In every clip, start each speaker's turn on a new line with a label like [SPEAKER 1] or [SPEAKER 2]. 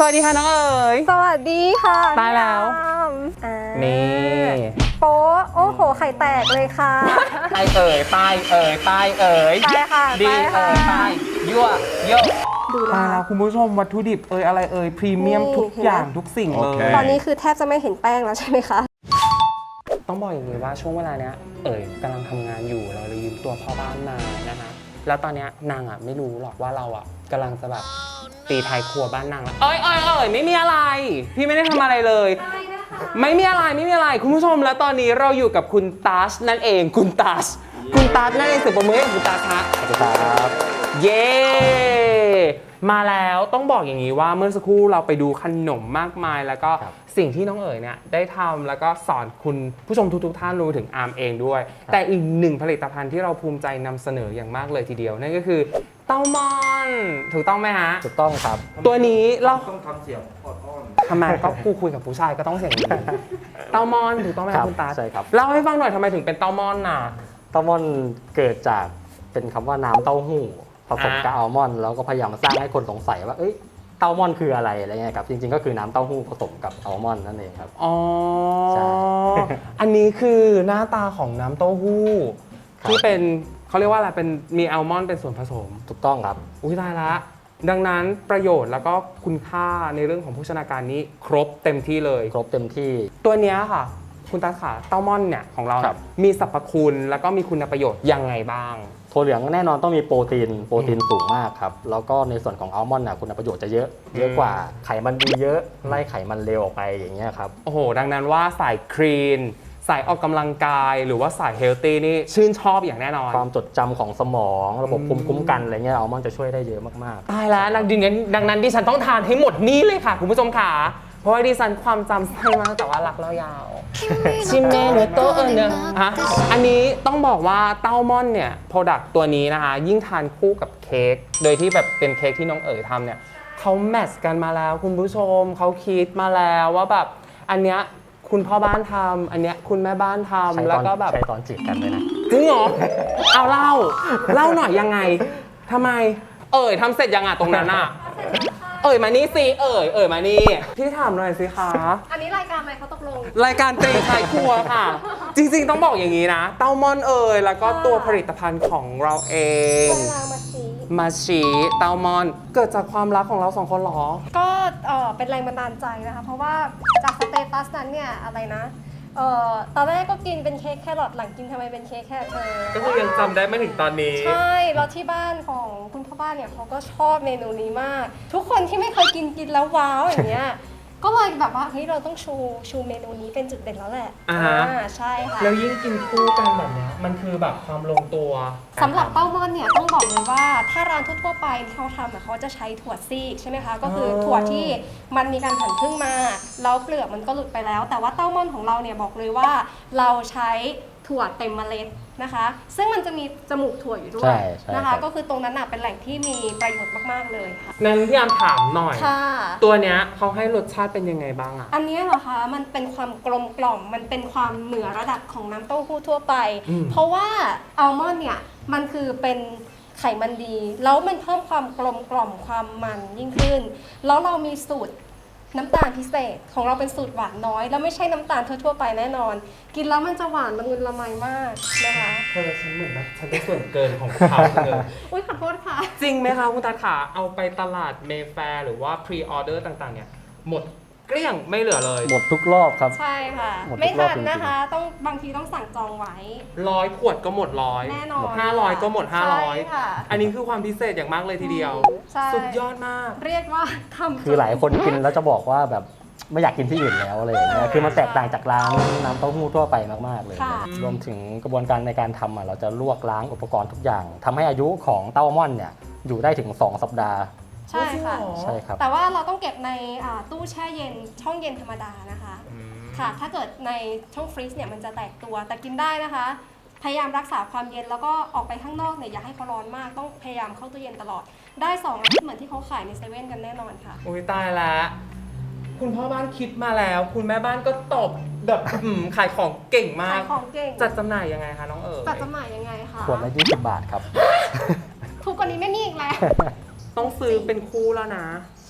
[SPEAKER 1] วัสดีค่ะน้องเอ๋ย
[SPEAKER 2] สวัสดีค่ะ
[SPEAKER 1] ตายแล้วนี่
[SPEAKER 2] โป๊ะโอ้โหไข่แตกเลยค่ะ
[SPEAKER 1] ตายเอ๋ยตายเอ๋ยตายเอ๋ย
[SPEAKER 2] ตายค่ะ
[SPEAKER 1] ดีเอ๋ยตายยั่วเยอะ
[SPEAKER 2] ดูแล
[SPEAKER 1] ตายแล้วคุณผู้ชมวัตถุดิบอะไรพรีเมียมทุกอย่างทุกสิ่งเลย
[SPEAKER 2] ตอนนี้คือแทบจะไม่เห็นแป้งแล้วใช่ไหมคะ
[SPEAKER 1] ต้องบอกอย่างนี้ว่าช่วงเวลาเนี้ยกำลังทำงานอยู่เราเลยยืมตัวพ่อบ้านมานะคะแล้วตอนเนี้ยนางไม่รู้หรอกว่าเรากำลังจะแบบตีท้ายครัวบ้านนางแล้วไม่มีอะไรพี่ไม่ได้ทำอะไรเลยไม่มีอะไรคุณผู้ชมแล้วตอนนี้เราอยู่กับคุณตัชนั่นเองคุณตัชนั่นเองเสียงปรบมือให้คุณตัชฮะ
[SPEAKER 3] สวัสดีครับ
[SPEAKER 1] เย้มาแล้วต้องบอกอย่างนี้ว่าเมื่อสักครู่เราไปดูขนมมากมายแล้วก็สิ่งที่น้องเนี่ยได้ทำแล้วก็สอนคุณผู้ชมทุกท่านรู้ถึงอาร์มเองด้วยแต่อีกหนึ่งผลิตภัณฑ์ที่เราภูมิใจนำเสนออย่างมากเลยทีเดียวนั่นก็คือเต้ามอนถูกต้องไหมฮะ
[SPEAKER 3] ถูกต้องครับ
[SPEAKER 1] ตัวนี้เรา
[SPEAKER 3] ต้องทำเสียงอ่อน
[SPEAKER 1] ทำไมก็กูคุยกับผู้ชายก็ต้องเสียงดีเต้ามอนถูกต้องไหมครับคุณตา
[SPEAKER 3] ใช่ครับ
[SPEAKER 1] เล่าให้ฟังหน่อยทำไมถึงเป็นเต้ามอนน่ะ
[SPEAKER 3] เต้ามอนเกิดจากเป็นคำว่าน้ำเต้าหู้ผสมกับอัลมอนด์แล้วก็พยายามสร้างให้คนสงสัยว่าเต้ามอนคืออะไรเงี้ยครับจริงๆก็คือน้ำเต้าหู้ผสมกับอัลมอนด์นั่นเองครับ
[SPEAKER 1] อ๋อใช่อันนี้คือหน้าตาของน้ำเต้าหู้ที่เป็นเขาเรียกว่าอะไรเป็นมีอัลมอนด์เป็นส่วนผสม
[SPEAKER 3] ถูกต้องครับ
[SPEAKER 1] อุ้ยตายละดังนั้นประโยชน์แล้วก็คุณค่าในเรื่องของโภชนาการนี้ครบเต็มที่เลย
[SPEAKER 3] ครบเต็มที่
[SPEAKER 1] ตัวนี้ค่ะคุณตาขาเต้ามอนเนี่ยของเรามีสรรพคุณแล้วก็มีคุณประโยชน์ยังไงบ้าง
[SPEAKER 3] ถั่วเหลืองแน่นอนต้องมีโปรตีนสูงมากครับแล้วก็ในส่วนของอัลมอนด์คุณประโยชน์จะเยอะกว่าไขมันดีเยอะไล่ไขมันเลวออกไปอย่างเงี้ยครับ
[SPEAKER 1] โอ้โหดังนั้นว่าสายคลีนสายออกกำลังกายหรือว่าสายเฮลตี้นี่ชื่นชอบอย่างแน่นอน
[SPEAKER 3] ความจดจำของสมองระบบภูมิคุ้มกันอะไรเงี้ยอัลมอนด์จะช่วยได้เยอะมาก
[SPEAKER 1] ๆตายแล้วดังนั้นดิฉันต้องทานให้หมดนี่เลยค่ะคุณผู้ชมค่ะเพราะว่าดิฉันความจำสั้นมากแต่ว่ารักเรายาวชิมเมเนโตเนฮะอันนี้ต้องบอกว่าเต้ามอนเนี่ยโปรดักต์ตัวนี้นะคะยิ่งทานคู่กับเค้กโดยที่แบบเป็นเค้กที่น้องทำเนี่ยเขาแมทช์กันมาแล้วคุณผู้ชมเขาคิดมาแล้วว่าแบบอันเนี้ยคุณพ่อบ้านทำอันเนี้ยคุณแม่บ้านทำแล้วก็แบบ
[SPEAKER 3] ใช้ตอนจีบกันเลยนะ
[SPEAKER 1] จริงเหรอเอาเล่าหน่อยยังไงทำไมทำเสร็จยังตรงนั้นมานี่สิมานี่พี่ถามหน่อยสิคะ
[SPEAKER 2] อันนี้รายการอะไรเขาตกลง
[SPEAKER 1] รายการเตะไทยครัวค่ะจริงๆต้องบอกอย่างนี้นะเต้ามอนแล้วก็ตัวผลิตภัณฑ์ของเราเองมาชีเต้ามอนเกิดจากความรักของเราสองคนหรอ
[SPEAKER 2] ก็เป็นแรงบันดาลใจนะคะเพราะว่าจากสเตตัสนั้นเนี่ยอะไรนะตอนแรกก็กินเป็นเค้กแครอทหลังกินทำไมเป็นเค้กแครอท
[SPEAKER 1] ก็คือยังจำได้ไม่ถึงตอนนี้
[SPEAKER 2] ใช่แล้วที่บ้านของคุณพ่อบ้านเนี่ยเขาก็ชอบเมนูนี้มากทุกคนที่ไม่เคยกินแล้วว้าวอย่างเงี้ยก็เลยแบบว่าเฮ้ยเราต้องชูเมนูนี้เป็นจุดเด่นแล้วแหละใช่ค่ะ
[SPEAKER 1] แล้วยิ่งกินคู่กันแบบนี้มันคือแบบความลงตัว
[SPEAKER 2] สำหรับเต้ามอนเนี่ยต้องบอกเลยว่าถ้าร้านทั่วไปที่เขาทำเขาจะใช้ถั่วซีกใช่ไหมคะก็คือถั่วที่มันมีการหั่นครึ่งมาแล้วเปลือกมันก็หลุดไปแล้วแต่ว่าเต้ามอนของเราเนี่ยบอกเลยว่าเราใช้ถั่วเต็มเมล็ดนะคะซึ่งมันจะมีจมูกถั่วอยู่ด้วยนะคะก็คือตรงนั้นเป็นแหล่งที่มีประโยชน์มากๆเลยค่ะ
[SPEAKER 1] งั้นพี่อามถามหน่อยตัวเนี้ยเขาให้รสชาติเป็นยังไงบ้าง
[SPEAKER 2] อันนี้เหรอคะมันเป็นความกลมกล่อมมันเป็นความเหนือระดับของน้ำเต้าหู้ทั่วไปเพราะว่าอัลมอนด์เนี่ยมันคือเป็นไขมันดีแล้วมันเพิ่มความกลมกล่อมความมันยิ่งขึ้นแล้วเรามีสูตรน้ำตาลพิเศษของเราเป็นสูตรหวานน้อยแล้วไม่ใช่น้ำตาลทั่วๆไปแน่นอนกินแล้วมันจะหวานละมุนละไมมากนะคะ
[SPEAKER 1] ฉันเหมือนแบบฉันเป็นส่วนเกินของเขาเลย
[SPEAKER 2] อุ้ยขอโทษค่ะ
[SPEAKER 1] จริงไหมคะคุณตาขาเอาไปตลาดเมแฟร์หรือว่าพรีออเดอร์ต่างๆเนี่ยหมดเกลี้ยงไม่เหลือเลย
[SPEAKER 3] หมดทุกรอบครับ
[SPEAKER 2] ใช่ค่ะไม่ทันนะคะต้องบางทีต้องสั่งจองไว้
[SPEAKER 1] 100 ขวดก็หมด100
[SPEAKER 2] แน่นอน
[SPEAKER 1] 500ก็หมด500อันนี้คือความพิเศษอย่างมากเลยทีเดียวสุดยอดมาก
[SPEAKER 2] เรียกว่าทำ
[SPEAKER 3] คือหลายคนกินแล้วจะบอกว่าแบบไม่อยากกินที่อื่นแล้วอะไรอย่างเงี้ยคือมันแตกต่างจากร้านน้ำเต้าหู้ทั่วไปมากๆเลยรวมถึงกระบวนการในการทำเราจะลวกล้างอุปกรณ์ทุกอย่างทำให้อายุของเต้ามอนเนี่ยอยู่ได้ถึง2 สัปดาห์
[SPEAKER 2] ใช่ค่ะ
[SPEAKER 3] ใช่ครับ
[SPEAKER 2] แต่ว่าเราต้องเก็บในตู้แช่เย็นช่องเย็นธรรมดานะคะค่ะถ้าเกิดในช่องฟรีซเนี่ยมันจะแตกตัวแต่กินได้นะคะพยายามรักษาความเย็นแล้วก็ออกไปข้างนอกเนี่ยอย่าให้เขาร้อนมากต้องพยายามเข้าตู้เย็นตลอดได้2 อาทิตย์เหมือนที่เขาขายในเซเว่นกันแน่นอนค่ะ
[SPEAKER 1] โอ้ยตายแล้วคุณพ่อบ้านคิดมาแล้วคุณแม่บ้านก็ตบแบบขายของเก่งมาก
[SPEAKER 2] ขายของเก่ง
[SPEAKER 1] จัดจำหน่ายยังไงคะน้อง
[SPEAKER 2] จัดจำหน่ายยังไงคะ
[SPEAKER 3] ขวดละ20 บาทครับ
[SPEAKER 2] ถูกกว่านี้ไม่มีอีกแล้ว
[SPEAKER 1] ต้องซื้อเป็นคู่แล้วนะ
[SPEAKER 2] ใ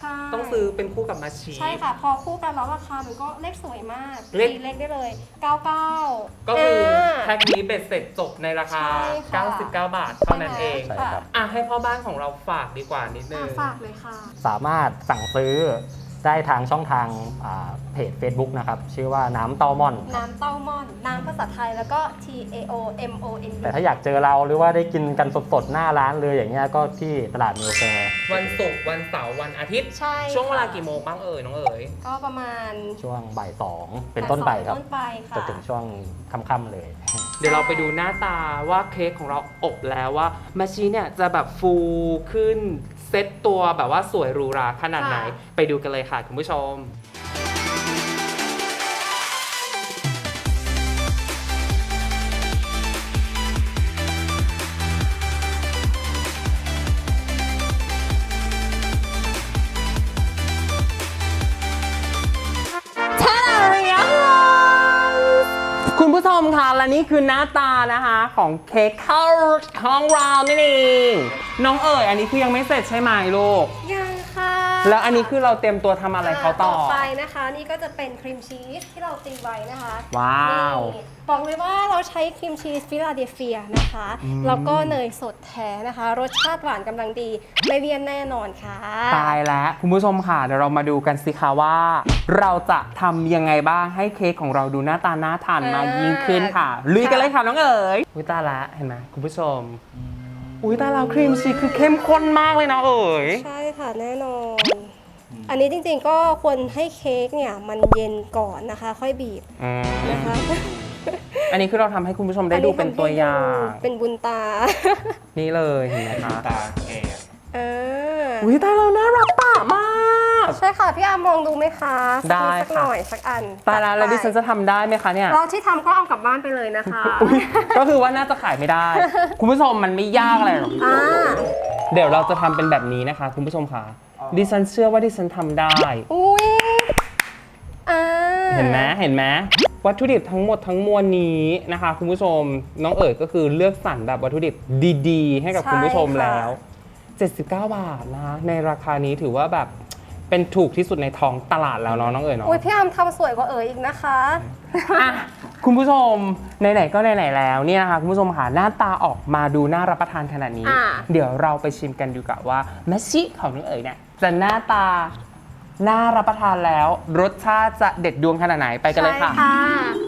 [SPEAKER 2] ใช่
[SPEAKER 1] ต้องซื้อเป็นคู่กับมาชี
[SPEAKER 2] ใช่ค่ะ พอคู่กันแล้วราคามันก็เลขสวยมาก
[SPEAKER 1] เลข
[SPEAKER 2] ตีเลขได้เลย 99
[SPEAKER 1] ก็คือแพ็คนี้เบ็ดเสร็จจบในราคา
[SPEAKER 2] ใช่ค่ะ
[SPEAKER 1] 99 บาทเท่านั้นเอง
[SPEAKER 3] ใช่ครับ
[SPEAKER 1] อ่ะให้พ่อบ้านของเราฝากดีกว่านิดนึง
[SPEAKER 2] ฝากเลยค่ะ
[SPEAKER 3] สามารถสั่งซื้อได้ทางช่องทางเพจ Facebook นะครับ ชื่อว่าน้ำเต้าม่อน
[SPEAKER 2] น้ำเต้าม่อน น้ำภาษาไทยแล้วก็ TAOMON
[SPEAKER 3] แต่ถ้าอยากเจอเราหรือว่าได้กินกันสดๆหน้าร้านเลยอย่างเงี้ยก็ที่ตลาดนิวแฟร์
[SPEAKER 1] วันศุกร์วันเสาร์วันอาทิตย์
[SPEAKER 2] ใช่
[SPEAKER 1] ช่วงเวลา
[SPEAKER 2] ค่ะ
[SPEAKER 1] กี่โมงบ้างเอ่ยน้องเอ๋ย
[SPEAKER 2] ก็ประมาณ
[SPEAKER 3] ช่วงบ่าย2เป็นต้นไปครับ
[SPEAKER 2] ต้นไปค่ะ
[SPEAKER 3] จนถึงช่วงค่ำๆเลย
[SPEAKER 1] เดี๋ยวเราไปดูหน้าตาว่าเค้กของเราอบแล้วว่ามาชีเนี่ยจะแบบฟูขึ้นเซ็ตตัวแบบว่าสวยหรูหราขนาดไหน ไปดูกันเลยค่ะคุณผู้ชม คุณผู้ชมค่ะและนี่คือหน้าตานะคะของเค้กข้าวของเรานี่เองน้องเอ๋ยอันนี้คือยังไม่เสร็จใช่ไหมลูก
[SPEAKER 2] ยังค่ะ
[SPEAKER 1] แล้วอันนี้คือเราเตรียมตัวทำอะไรเขาต่อ
[SPEAKER 2] ไปนะคะ นี่ก็จะเป็นครีมชีสที่เราตีไว้นะคะ
[SPEAKER 1] ว้าว
[SPEAKER 2] นี่บอกเลยว่าเราใช้ครีมชีสฟิลาเดลเฟียนะคะ แล้วก็เนยสดแท้นะคะ รสชาติหวานกำลังดี ไม่เลี่ยนแน่นอนค่ะ
[SPEAKER 1] ตายแล้วคุณผู้ชมค่ะเดี๋ยวเรามาดูกันสิคะว่า เราจะทำยังไงบ้างให้เค้กของเราดูหน้าตาน่าทานมากยิ่งขึ้นค่ะลุยกันเลยค่ะน้องเอ๋ยอุ้ยตายละเห็นไหมคุณผู้ชมอุ้ยตายแล้วครีมชีสคือเข้มข้นมากเลยนะเอ๋ย
[SPEAKER 2] ใช่ค่ะแน่นอน อันนี้จริงๆก็ควรให้เค้กเนี่ยมันเย็นก่อนนะคะ ค่อยบีบนะคะ
[SPEAKER 1] อันนี้คือเราทำให้คุณผู้ชมได้ดูเป็นตัวอย่าง
[SPEAKER 2] เป็นบุญตา
[SPEAKER 1] นี่เลยเห็นไหมคะ
[SPEAKER 4] ตาแก่
[SPEAKER 1] อุ้ยตายแล้วน่ารักปะมาก
[SPEAKER 2] ใช่ค่ะ พี่อาร์มลองดูไหมคะ
[SPEAKER 1] ได้
[SPEAKER 2] สัก
[SPEAKER 1] ค่ะ
[SPEAKER 2] หน่อยสักอัน
[SPEAKER 1] ตายแล้วแล้วดิฉันจะทำได้ไหมคะเนี่ย
[SPEAKER 2] เราที่ทำก็เอากลับบ้านไปเลยนะคะ
[SPEAKER 1] อุ๊ยก็คือว่าน่าจะขายไม่ได้ คุณผู้ชมมันไม่ยากอะไรหรอก
[SPEAKER 2] อ่า
[SPEAKER 1] เดี๋ยวเราจะทำเป็นแบบนี้นะคะคุณผู้ชมค่ะดิฉันเชื่อว่าดิฉันทำได้
[SPEAKER 2] อุ้ยอ่า
[SPEAKER 1] เห็นไหมเห็นไหมวัตถุดิบทั้งหมดทั้งมวลนี้นะคะคุณผู้ชมน้องเอ๋ยก็คือเลือกสรรแบบวัตถุดิบดีๆ ให้กับคุณผู้ชมแล้ว 79 บาทนะคะในราคานี้ถือว่าแบบเป็นถูกที่สุดในท้องตลาดแล้วเนาะน้องเอ๋ยเนาะ
[SPEAKER 2] อุ้ยพี่อาร์มทำสวยกว่าเอ๋ยอีกนะคะ
[SPEAKER 1] อ่ะคุณผู้ชมไหนๆก็ไหนๆแล้วเนี่ยนะคะคุณผู้ชมค่ะหน้าตาออกมาดูน่ารับประทานขนาดนี้ เดี๋ยวเราไปชิมกันดูกับว่ามัชชิของน้องเอ๋ยเนี่ยจะหน้าตาน่ารับประทานแล้ว รสชาติจะเด็ดดวงขนาดไหนไปกันเลยค่ะ
[SPEAKER 2] ใช่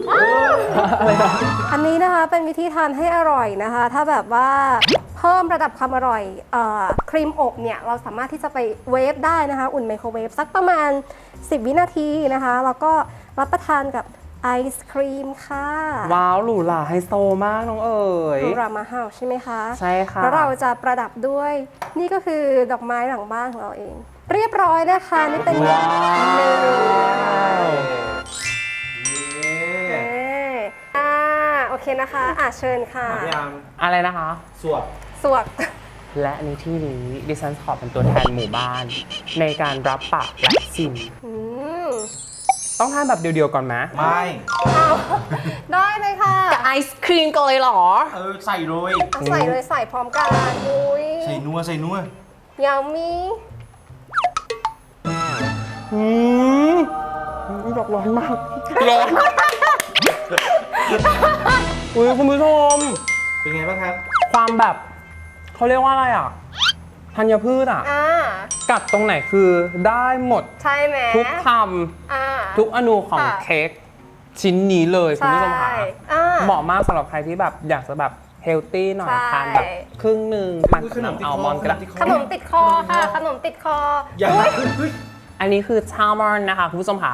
[SPEAKER 2] อันนี้นะคะเป็นวิธีทานให้อร่อยนะคะ ถ้าแบบว่าเพิ่มระดับความอร่อยครีมอบเนี่ยเราสามารถที่จะไปเวฟได้นะคะ อุ่นไมโครเวฟสักประมาณ 10 วินาทีนะคะ แล้วก็รับประทานกับไอศครีมค่ะ
[SPEAKER 1] ว้าวหรูหราไฮโซมากน้องเอ๋ย
[SPEAKER 2] รูรามาเฮาใช่ไหมคะ
[SPEAKER 1] ใช่ค่ะ
[SPEAKER 2] แล้วเราจะประดับด้วยนี่ก็คือดอกไม้หลังบ้านของเราเอง เรียบร้อยนะคะนี่เป็น
[SPEAKER 1] ว้าว
[SPEAKER 2] โอเคนะคะเชิญค่ะ
[SPEAKER 4] พยายาม
[SPEAKER 1] อะไรนะคะ
[SPEAKER 4] สวด
[SPEAKER 2] สวก
[SPEAKER 1] และในที่นี้ดิฉันขอเป็นตัวแทนหมู่บ้าน ในการรับปากและชิม
[SPEAKER 2] อืม
[SPEAKER 1] ต้องทานแบบเดียวๆก่อนไหม
[SPEAKER 4] ไม่
[SPEAKER 2] เอาได้เลยค่ะ
[SPEAKER 1] กับไอศครีมกันเลยเหรอ
[SPEAKER 4] ใส่เลย
[SPEAKER 2] เอาใส่เลยใส่พร้อมกันอุ้ย
[SPEAKER 4] ใส่นัวใส่นัวย
[SPEAKER 2] ามี
[SPEAKER 1] อืมดอกร้อนมากร้อนอุ้ยคุณผู้ชม
[SPEAKER 4] เป็นไงบ้างครับ
[SPEAKER 1] ความแบบเขาเรียกว่าอะไรอ่ะธัญพืชอ่ะ กัดตรงไหนคือได้หมด
[SPEAKER 2] ใช่ไหม
[SPEAKER 1] ทุกค
[SPEAKER 2] อ่า
[SPEAKER 1] ำทุกอนูของ
[SPEAKER 2] ค่ะ
[SPEAKER 1] เค้กชิ้นนี้เลยคุณผู้ชมค่ะ
[SPEAKER 2] ใช่อ่า
[SPEAKER 1] เหมาะมากสำหรับใครที่แบบอยากจะแบบเฮลตี้หน่อย
[SPEAKER 2] ใช่
[SPEAKER 1] ทานแบบครึ่งหนึ่งปั่นกับน้ำอัลมอนด์ก็ได้
[SPEAKER 2] ขนมติดคอค่ะ ขนมติดคอ
[SPEAKER 4] อย่า
[SPEAKER 2] อุ๊ย
[SPEAKER 4] เฮ้ย
[SPEAKER 1] อันนี้คือชามอนนะคะคุณผู้ชมค่ะ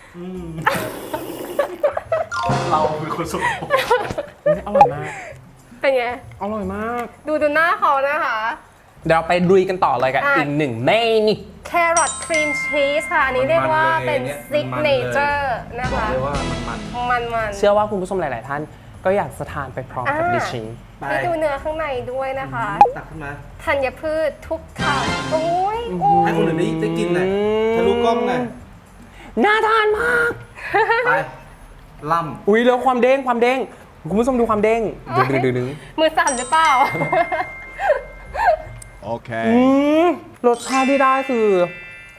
[SPEAKER 4] เราเป็นคนสกปรก
[SPEAKER 1] อร่อยมาก
[SPEAKER 2] เป็นไง
[SPEAKER 1] อร่อยมาก
[SPEAKER 2] ดูหน้าเขานะคะ
[SPEAKER 1] เดี๋ยวเราไปลุยกันต่อเลยกับ
[SPEAKER 2] อ่ะ
[SPEAKER 1] อีกหนึ่งเมนู
[SPEAKER 2] แครอทครีมชีสค่ะ อันนี้เรียกว่าเป็นซิกเนเจอร์นะ
[SPEAKER 4] บอก
[SPEAKER 2] คะ
[SPEAKER 4] เลยว่ามัน
[SPEAKER 2] มัน
[SPEAKER 1] เชื่อว่าคุณผู้ชมหลาย ๆ ท่านก็อยากจะทานไปพร้อมกับดิฉัน
[SPEAKER 4] ไป
[SPEAKER 2] ให้ดูเนื้อข้างในด้วยนะคะ
[SPEAKER 4] ตักขึ้นมา
[SPEAKER 2] ธัญพืชทุกคำโอ้ยโอ้
[SPEAKER 4] ให้
[SPEAKER 2] ย
[SPEAKER 4] คนอื่นได้กินหน่อยทะลุกล้องหน่อย
[SPEAKER 1] น่าทานมาก
[SPEAKER 4] ไปล่
[SPEAKER 1] อุ้ยแล้วความเด้งคุณผู้ชมดูความเด้งดึง
[SPEAKER 2] มือสั่นหรือเปล่า
[SPEAKER 1] รสชาติที่ได้คือ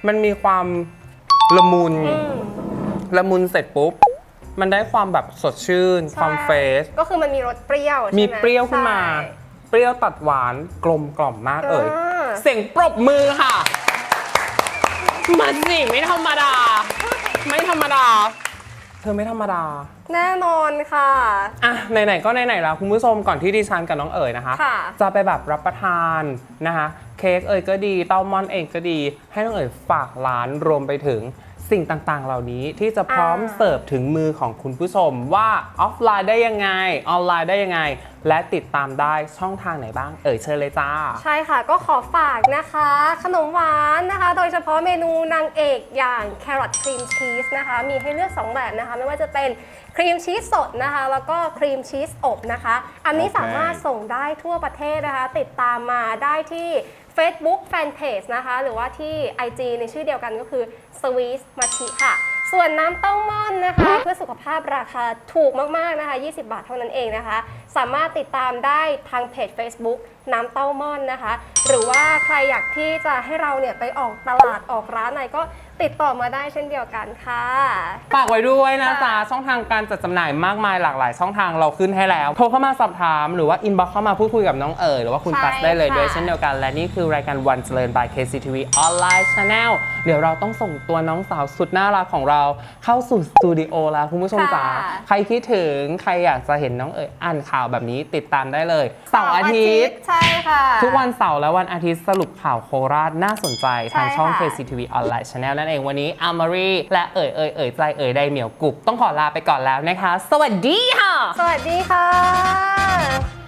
[SPEAKER 1] มันมีความละมุนละมุนเสร็จปุ๊บมันได้ความแบบสดชื่นความเฟรช
[SPEAKER 2] ก็คือมันมีรสเปรี้ยวใช่ไหม
[SPEAKER 1] มีเปรี้ยวขึ้นมา
[SPEAKER 2] ใช่
[SPEAKER 1] เปรี้ยวตัดหวานกลมกล่อมมากเอ่ย
[SPEAKER 2] อ่า
[SPEAKER 1] เสียงปรบมือค่ะมันสิไม่ธรรมดา ไม่ธรรมดา เธอไม่ธรรมดา
[SPEAKER 2] แน่นอนค่ะ
[SPEAKER 1] อ่ะไหนๆก็ไหนๆแล้วคุณผู้ชมก่อนที่ดิฉันกับน้องเอ๋ยนะคะ
[SPEAKER 2] ค่ะ
[SPEAKER 1] จะไปแบบรับประทานนะคะเค้กเอ๋ยก็ดีเต้ามอนเองก็ดี ให้น้องเอ๋ยฝากร้านรวมไปถึงสิ่งต่างๆ เหล่านี้ที่จะพร้อมเสิร์ฟถึงมือของคุณผู้ชมว่าออฟไลน์ได้ยังไงออนไลน์ได้ยังไง และติดตามได้ช่องทางไหนบ้างเอ๋ยเชิญเลยจ้า
[SPEAKER 2] ใช่ค่ะก็ขอฝากนะคะ ขนมหวานนะคะ โดยเฉพาะเมนูนางเอกอย่างแครอทครีมชีสนะคะ มีให้เลือก 2 แบบนะคะ ไม่ว่าจะเป็นครีมชีสสดนะคะ แล้วก็ครีมชีสอบนะคะ อันนี้สามารถส่งได้ทั่วประเทศนะคะ ติดตามมาได้ที่ Facebook Fanpage นะคะ หรือว่าที่ IG ในชื่อเดียวกันก็คือ Sweet Machi ค่ะ ส่วนน้ำเต้าม่อนนะคะ เพื่อสุขภาพราคาถูกมากๆนะคะ20 บาทเท่านั้นเองนะคะ สามารถติดตามได้ทางเพจ Facebook น้ำเต้าม่อนนะคะ หรือว่าใครอยากที่จะให้เราเนี่ยไปออกตลาดออกร้านไหนก็ติดต่อมาได้เช่นเดียวกันค่ะ
[SPEAKER 1] ฝากไว้ด้วยนะจ๊ะ
[SPEAKER 2] ค่ะ
[SPEAKER 1] ช่องทางการจัดจำหน่ายมากมายหลากหลายช่องทางเราขึ้นให้แล้ว โทรเข้ามาสอบถามหรือว่าอินบ็อกเข้ามาพูดคุยกับน้องเอ๋ยหรือว่าคุณ
[SPEAKER 2] ใช่
[SPEAKER 1] กัสได้เลย
[SPEAKER 2] ค่ะ
[SPEAKER 1] ด้วยเช่นเดียวกันและนี่คือรายการวันเจริญ by KCTV Online Channel เดี๋ยวเราต้องส่งตัวน้องสาวสุดน่ารักของเราเข้าสู่สตูดิโอแล้วคุณผู้ชมจ๋า
[SPEAKER 2] ค่ะ
[SPEAKER 1] ใครคิดถึงใครอยากจะเห็นน้องเอ๋ยอ่านข่าวแบบนี้ติดตามได้เลยเสาร์อาทิตย์
[SPEAKER 2] ใช่ค่ะ
[SPEAKER 1] ทุกวันเสาร์และวันอาทิตย์สรุปข่าวโคราชน่าสนใจทางช่อง
[SPEAKER 2] ใช่ค่ะ
[SPEAKER 1] KCTV Online Channel นั่นเองวันนี้อามารีและเอ๋ยใจเอ๋ยไดเหมียวกุบต้องขอลาไปก่อนแล้วนะคะ สวัสดีค่ะ
[SPEAKER 2] สวัสดีค่ะ